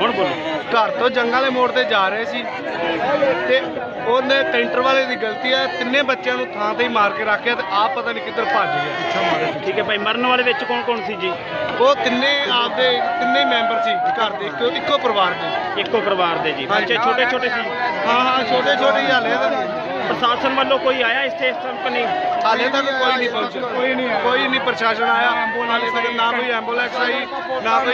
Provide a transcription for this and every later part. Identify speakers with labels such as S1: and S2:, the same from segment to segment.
S1: ਕੌਣ ਬੋਲੇ?
S2: घर तो जंग वाले मोड़ ते जा रहे सी ते ਉਹਨੇ ਕੈਂਟਰ ਵਾਲੇ ਦੀ ਗਲਤੀ ਹੈ। ਤਿੰਨੇ ਬੱਚਿਆਂ ਨੂੰ ਥਾਂ ਤੇ ਹੀ ਮਾਰ ਕੇ ਰੱਖਿਆ ਤੇ ਆਪ ਪਤਾ ਨਹੀਂ ਕਿੱਧਰ ਭੱਜ ਗਿਆ, ਪਿੱਛੋਂ ਮਾਰੇ।
S1: ਠੀਕ ਹੈ ਭਾਈ, ਮਰਨ ਵਾਲੇ ਵਿੱਚ ਕੌਣ ਕੌਣ ਸੀ ਜੀ?
S2: ਉਹ ਤਿੰਨੇ ਆਪਦੇ ਤਿੰਨੇ ਮੈਂਬਰ ਸੀ ਘਰ ਦੇ, ਇੱਕੋ ਪਰਿਵਾਰ ਦੇ।
S1: ਇੱਕੋ ਪਰਿਵਾਰ ਦੇ ਜੀ। ਬੱਚੇ ਛੋਟੇ ਛੋਟੇ ਸੀ?
S2: ਹਾਂ ਛੋਟੇ ਛੋਟੇ ਹੀ ਹਾਲੇ ਤਾਂ।
S1: ਪ੍ਰਸ਼ਾਸਨ ਵੱਲੋਂ ਕੋਈ ਆਇਆ ਇਸ ਤੱਕ ਨਹੀਂ?
S2: ਹਾਲੇ ਤੱਕ ਕੋਈ ਨਹੀਂ ਪਹੁੰਚਿਆ, ਕੋਈ ਨਹੀਂ ਪ੍ਰਸ਼ਾਸਨ ਆਇਆ ਹਾਲੇ ਤੱਕ। ਨਾ ਕੋਈ ਐਂਬੂਲੈਂਸ ਆਈ, ਨਾ ਕੋਈ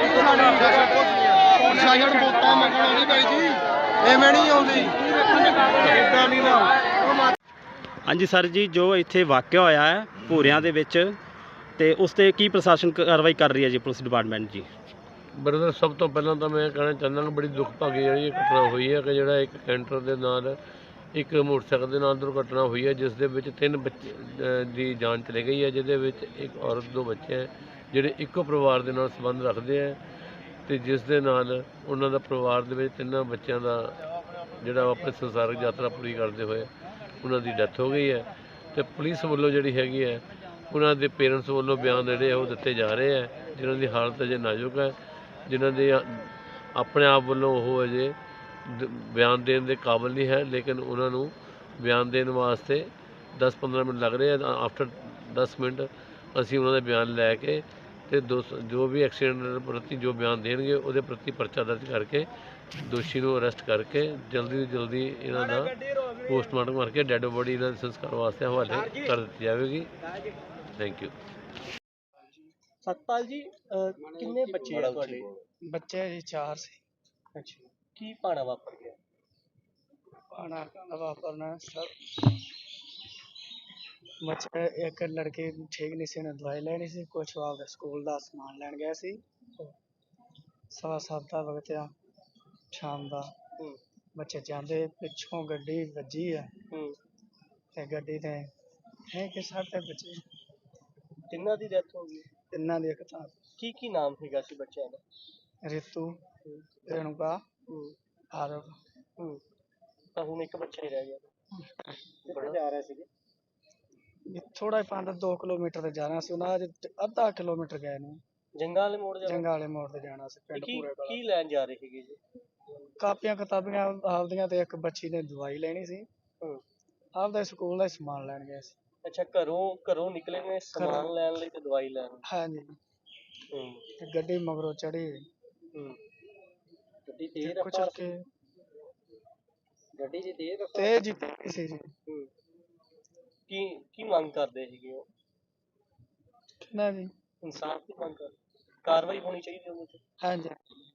S2: ਪ੍ਰਸ਼ਾਸਨ। ਵੋਟਾਂ ਮੰਗਣ ਆਉਂਦੀ ਬਾਈ ਜੀ, ਐਵੇਂ ਨਹੀਂ ਆਉਂਦੀ, ਇੱਦਾਂ ਨਹੀਂ ਨਾ।
S1: ਹਾਂਜੀ ਸਰ ਜੀ, ਜੋ ਇੱਥੇ ਵਾਕਿਆ ਹੋਇਆ ਹੈ ਭੂਰਿਆਂ ਦੇ ਵਿੱਚ, ਤੇ ਉਸ 'ਤੇ ਕੀ ਪ੍ਰਸ਼ਾਸਨ ਕਾਰਵਾਈ ਕਰ ਰਹੀ ਹੈ ਜੀ, ਪੁਲਿਸ ਡਿਪਾਰਟਮੈਂਟ ਜੀ?
S3: ਬ੍ਰਦਰ, ਸਭ ਤੋਂ ਪਹਿਲਾਂ ਤਾਂ ਮੈਂ ਕਹਿਣਾ ਚਾਹੁੰਦਾ ਕਿ ਬੜੀ ਦੁੱਖ ਭਾਗੀ ਜਿਹੜੀ ਘਟਨਾ ਹੋਈ ਹੈ ਕਿ ਜਿਹੜਾ ਇੱਕ ਕੈਂਟਰ ਦੇ ਨਾਲ ਇੱਕ ਮੋਟਰਸਾਈਕਲ ਦੇ ਨਾਲ ਦੁਰਘਟਨਾ ਹੋਈ ਹੈ, ਜਿਸ ਦੇ ਵਿੱਚ 3 ਬੱਚੇ ਦੀ ਜਾਨ ਚਲੀ ਗਈ ਹੈ, ਜਿਹਦੇ ਵਿੱਚ ਇੱਕ ਔਰਤ 2 ਬੱਚੇ ਹੈ ਜਿਹੜੇ ਇੱਕੋ ਪਰਿਵਾਰ ਦੇ ਨਾਲ ਸੰਬੰਧ ਰੱਖਦੇ ਹੈ, ਅਤੇ ਜਿਸ ਦੇ ਨਾਲ ਉਹਨਾਂ ਦਾ ਪਰਿਵਾਰ ਦੇ ਵਿੱਚ 3 ਬੱਚਿਆਂ ਦਾ ਜਿਹੜਾ ਆਪਣੇ ਸੰਸਾਰਿਕ ਯਾਤਰਾ ਪੂਰੀ ਕਰਦੇ ਹੋਏ ਉਹਨਾਂ ਦੀ ਡੈਥ ਹੋ ਗਈ ਹੈ। ਅਤੇ ਪੁਲਿਸ ਵੱਲੋਂ ਜਿਹੜੀ ਹੈਗੀ ਹੈ ਉਹਨਾਂ ਦੇ ਪੇਰੈਂਟਸ ਵੱਲੋਂ ਬਿਆਨ ਜਿਹੜੇ ਉਹ ਦਿੱਤੇ ਜਾ ਰਹੇ ਹੈ, ਜਿਨ੍ਹਾਂ ਦੀ ਹਾਲਤ ਅਜੇ ਨਾਜ਼ੁਕ ਹੈ, ਜਿਨ੍ਹਾਂ ਦੇ ਆਪਣੇ ਆਪ ਵੱਲੋਂ ਉਹ ਅਜੇ ਬਿਆਨ ਦੇਣ ਦੇ ਕਾਬਿਲ ਨਹੀਂ ਹੈ, ਲੇਕਿਨ ਉਹਨਾਂ ਨੂੰ ਬਿਆਨ ਦੇਣ ਵਾਸਤੇ 10-15 ਮਿੰਟ ਲੱਗ ਰਹੇ ਆ। ਆਫਟਰ 10 ਮਿੰਟ ਅਸੀਂ ਉਹਨਾਂ ਦਾ ਬਿਆਨ ਲੈ ਕੇ ਅਤੇ ਜੋ ਵੀ ਐਕਸੀਡੈਂਟ ਪ੍ਰਤੀ ਜੋ ਬਿਆਨ ਦੇਣਗੇ ਉਹਦੇ ਪ੍ਰਤੀ ਪਰਚਾ ਦਰਜ ਕਰਕੇ ਦੋਸ਼ੀ ਨੂੰ ਅਰੈਸਟ ਕਰਕੇ ਜਲਦੀ ਤੋਂ ਜਲਦੀ ਇਹਨਾਂ ਦਾ ਪੋਸਟਮਾਰਟਮ ਕਰਕੇ ਡੈੱਡ ਬੋਡੀ ਇਹਨਾਂ ਦੇ ਸੰਸਕਾਰ ਵਾਸਤੇ ਹਵਾਲੇ ਕਰ ਦਿੱਤੀ ਜਾਵੇਗੀ। Thank you.
S4: ਸਤਪਾਲ ਜੀ, ਕਿੰਨੇ ਬੱਚੇ ਆ ਤੁਹਾਡੇ?
S5: ਬੱਚੇ ਜੀ 4 ਸੀ।
S4: ਅੱਛਾ, ਕੀ ਭਾਣਾ ਵਾਪਰ ਗਿਆ?
S5: ਭਾਣਾ ਵਾਪਰਨਾ ਸਰ, ਬੱਚੇ ਇੱਕ ਲੜਕੀ ਠੀਕ ਨਹੀਂ ਸੀ, ਉਹਨੇ ਦਵਾਈ ਲੈਣੀ ਸੀ, ਕੁਛ ਆਪਦਾ ਸਕੂਲ ਦਾ ਸਮਾਨ ਲੈਣ ਗਿਆ ਸੀ। 7:15 ਦਾ ਵਕਤ ਆ ਸ਼ਾਮ ਦਾ। ਬੱਚੇ ਜਾਂਦੇ, ਪਿੱਛੋਂ ਗੱਡੀ ਵੱਜੀ ਆ ਤੇ ਗੱਡੀ ਤੇ ਹੈ ਕਿ ਸਾਡੇ ਬੱਚੇ
S4: ਤਿੰਨਾਂ ਦੀ ਡੈਥ ਹੋ ਗਈ?
S5: ਤਿੰਨਾਂ ਦੀ। ਇੱਕ ਤਾਂ
S4: ਕੀ ਨਾਮ ਸੀਗਾ ਸੀ ਬੱਚਿਆਂ ਦਾ?
S5: ਰਿਤੂ, ਰੇਣੂਕਾ, ਆਰਵ।
S4: ਤਾਂ ਹੁਣ ਇੱਕ ਬੱਚਾ ਹੀ ਰਹਿ ਗਿਆ। ਕਿੱਥੇ ਜਾ ਰਹੇ ਸੀਗੇ?
S5: ਥੋੜਾ ਜਿਹਾ 2 ਕਿਲੋਮੀਟਰ ਤੇ ਜਾਣਾ ਸੀ ਉਹਨਾਂ, ਅੱਜ ਅੱਧਾ ਕਿਲੋਮੀਟਰ ਗਏ ਨੇ।
S4: ਜੰਗਾਂ ਵਾਲੇ ਮੋੜ ਜਾਣਾ?
S5: ਜੰਗਾਂ ਵਾਲੇ ਮੋੜ ਤੇ ਜਾਣਾ ਸੀ, ਪਿੰਡ ਪੂਰੇ ਵਾਲਾ।
S4: ਕੀ ਲੈਣ ਜਾ ਰਹੇ ਸੀਗੇ ਜੀ?
S5: ਕਾਪੀਆਂ ਕਿਤਾਬੀਆਂ ਆਪਦੀਆਂ, ਤੇ ਇੱਕ ਬੱਚੀ ਨੇ ਦਵਾਈ ਲੈਣੀ ਸੀ। ਆਪਦਾ ਸਕੂਲ ਦਾ ਸਮਾਨ ਲੈਣ ਗਏ ਸੀ।
S4: ਅੱਛਾ, ਘਰੋਂ ਨਿਕਲੇ ਨੇ ਸਮਾਨ ਲੈਣ ਲਈ ਤੇ ਦਵਾਈ ਲੈਣ?
S5: ਹਾਂਜੀ। ਤੇ ਗੱਡੀ ਮਗਰੋਂ ਚੜੀ।
S4: ਗੱਡੀ ਤੇਜ਼ ਰਫ਼ਤਾਰ ਸੀ? ਗੱਡੀ
S5: ਤੇਜ਼ ਸੀ ਜੀ।
S4: ਕੀ ਮੰਗ ਕਰਦੇ ਸੀਗੇ ਉਹ?
S5: ਕਿੰਨਾ ਜੀ?
S4: ਇਨਸਾਫ ਦੀ ਮੰਗ ਕਰ, ਕਾਰਵਾਈ ਹੋਣੀ ਚਾਹੀਦੀ ਉਹਦੇ ਤੇ।
S5: ਹਾਂਜੀ,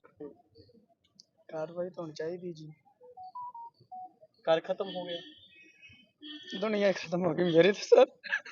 S5: ਕਾਰਵਾਈ ਤਾਂ ਹੋਣੀ ਚਾਹੀਦੀ ਜੀ।
S4: ਘਰ ਖਤਮ ਹੋ ਗਿਆ?
S5: ਦੁਨੀਆ ਖਤਮ ਹੋ ਗਈ ਮੇਰੇ ਤੇ ਸਰ।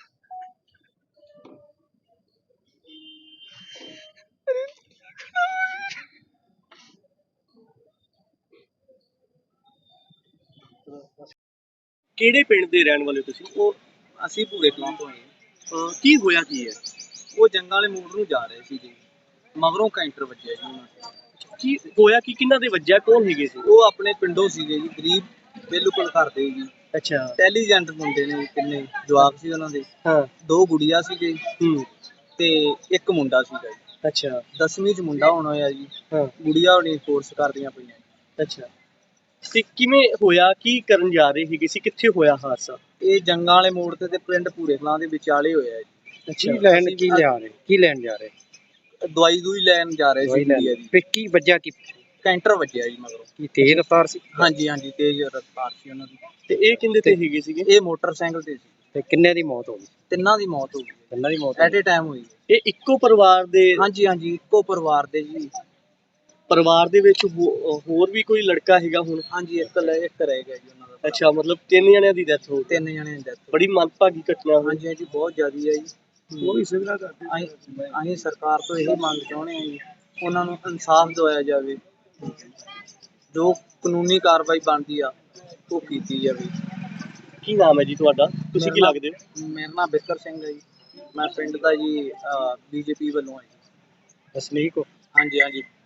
S4: ਕਿਹੜੇ ਪਿੰਡ ਦੇ ਰਹਿਣ ਵਾਲੇ ਤੁਸੀਂ?
S6: ਉਹ ਅਸੀਂ ਭੂਰੇ ਕਲਾਂ ਤੋਂ ਆਏ।
S4: ਕੀ ਹੋਇਆ ਕੀ ਹੈ?
S6: ਉਹ ਜੰਗਾਂ ਵਾਲੇ ਮੋੜ ਨੂੰ ਜਾ ਰਹੇ ਸੀ ਜੀ, ਮਗਰੋਂ ਕੈਂਟਰ ਵੱਜਿਆ ਜੀ ਉਹਨਾਂ ਤੇ।
S4: ਕੀ ਹੋਇਆ ਕੀ, ਕਿਹਨਾਂ ਦੇ ਵੱਜਿਆ, ਕੌਣ ਹੈਗੇ ਸੀ?
S6: ਉਹ ਆਪਣੇ ਪਿੰਡੋਂ ਸੀਗੇ ਜੀ, ਗਰੀਬ ਬਿਲਕੁਲ ਘਰ ਦੇ ਜੀ।
S4: ਅੱਛਾ।
S6: ਇੰਟੈਲੀਜੈਂਟ ਮੁੰਡੇ ਨੇ, ਕਿੰਨੇ ਜਵਾਕ ਸੀ ਉਹਨਾਂ ਦੇ।
S4: ਹਾਂ।
S6: 2 ਗੁੜੀਆਂ ਸੀਗੇ ਤੇ ਇੱਕ ਮੁੰਡਾ ਸੀਗਾ ਜੀ।
S4: ਅੱਛਾ।
S6: 10ਵੀਂ ਚ ਮੁੰਡਾ ਹੁਣ ਹੋਇਆ ਜੀ।
S4: ਹਾਂ।
S6: ਗੁੜੀਆਂ ਹੋਣੀ ਕੋਰਸ ਕਰਦੀਆਂ ਪਈਆਂ।
S4: ਅੱਛਾ, ਤੇ ਕਿਵੇਂ ਹੋਇਆ, ਕੀ ਕਰਨ ਜਾ ਰਹੇ ਸੀਗੇ ਸੀ, ਕਿੱਥੇ ਹੋਇਆ ਹਾਦਸਾ?
S6: ਇਹ ਜੰਗਾਂ ਵਾਲੇ ਮੋੜ ਤੇ ਪਿੰਡ ਭੂਰੇ ਕਲਾਂ ਦੇ ਵਿਚਾਲੇ ਹੋਇਆ ਜੀ।
S4: ਅੱਛਾ।
S1: ਕੀ ਲੈਣ ਜਾ ਰਹੇ?
S6: ਦਵਾਈ ਦੂਈ ਲੈਣ ਜਾ ਰਹੇ ਸੀ ਗੁੜੀਆ ਜੀ।
S1: ਫਿਰ ਕੀ ਵੱਜਿਆ? ਕੀ
S6: ਕੈਂਟਰ ਵੱਜਿਆ ਜੀ ਮਗਰੋਂ।
S1: ਕੀ ਤੇਜ਼ ਰਫ਼ਤਾਰ ਸੀ?
S6: ਹਾਂਜੀ, ਤੇਜ਼ ਰਫ਼ਤਾਰ ਸੀ ਉਹਨਾਂ ਦੀ।
S4: ਤੇ ਇਹ ਕਿੰਦੇ ਤੇ ਹੈਗੇ ਸੀਗੇ?
S6: ਇਹ ਮੋਟਰਸਾਈਕਲ ਤੇ ਸੀ।
S1: ਤੇ ਕਿੰਨੇ ਦੀ ਮੌਤ ਹੋ ਗਈ?
S6: ਤਿੰਨਾਂ ਦੀ ਮੌਤ ਹੋ ਗਈ।
S1: ਤਿੰਨਾਂ ਦੀ ਮੌਤ
S6: ਐਟ ਏ ਟਾਈਮ ਹੋਈ।
S4: ਇਹ ਇੱਕੋ ਪਰਿਵਾਰ ਦੇ?
S6: ਹਾਂਜੀ, ਇੱਕੋ ਪਰਿਵਾਰ ਦੇ ਜੀ।
S4: ਪਰਿਵਾਰ ਦੇ ਵਿੱਚ ਹੋਰ ਵੀ ਕੋਈ ਲੜਕਾ ਹੈਗਾ ਹੁਣ?
S6: ਹਾਂਜੀ, ਇੱਕ ਰਹਿ ਗਿਆ ਜੀ ਉਹਨਾਂ ਦਾ।
S4: ਅੱਛਾ, ਮਤਲਬ 3 ਜਣਿਆਂ ਦੀ ਡੈਥ ਹੋ ਗਈ?
S6: 3 ਜਣਿਆਂ ਦੀ ਡੈਥ।
S4: ਬੜੀ ਮੰਦਭਾਗੀ ਘਟਨਾ ਹੋਈ।
S6: ਹਾਂਜੀ, ਬਹੁਤ ਜ਼ਿਆਦਾ ਹੈ ਜੀ। ਉਹ ਵੀ ਸਿਵਲਾ ਕਰਦੇ। ਅਸੀਂ ਸਰਕਾਰ ਤੋਂ ਇਹੀ ਮੰਗ ਚਾਹੁੰਦੇ ਹਾਂ ਜੀ, ਉਹਨਾਂ ਨੂੰ ਇਨਸਾਫ ਦਿਵਾਇਆ ਜਾਵੇ, ਜੋ ਕਾਨੂੰਨੀ ਕਾਰਵਾਈ ਬਣਦੀ ਆ ਉਹ ਕੀਤੀ ਜਾਵੇ।
S4: ਕੀ ਨਾਮ ਹੈ ਜੀ ਤੁਹਾਡਾ? ਤੁਸੀਂ ਕੀ ਲੱਗਦੇ ਹੋ?
S6: ਮੇਰਾ ਨਾਮ ਬਿੱਕਰ ਸਿੰਘ ਹੈ ਜੀ। ਮੈਂ ਪਿੰਡ ਦਾ ਜੀ BJP ਵੱਲੋਂ ਹਾਂ ਜੀ।
S1: ਵਸਨੀਕ ਹੋ?
S6: ਹਾਂਜੀ।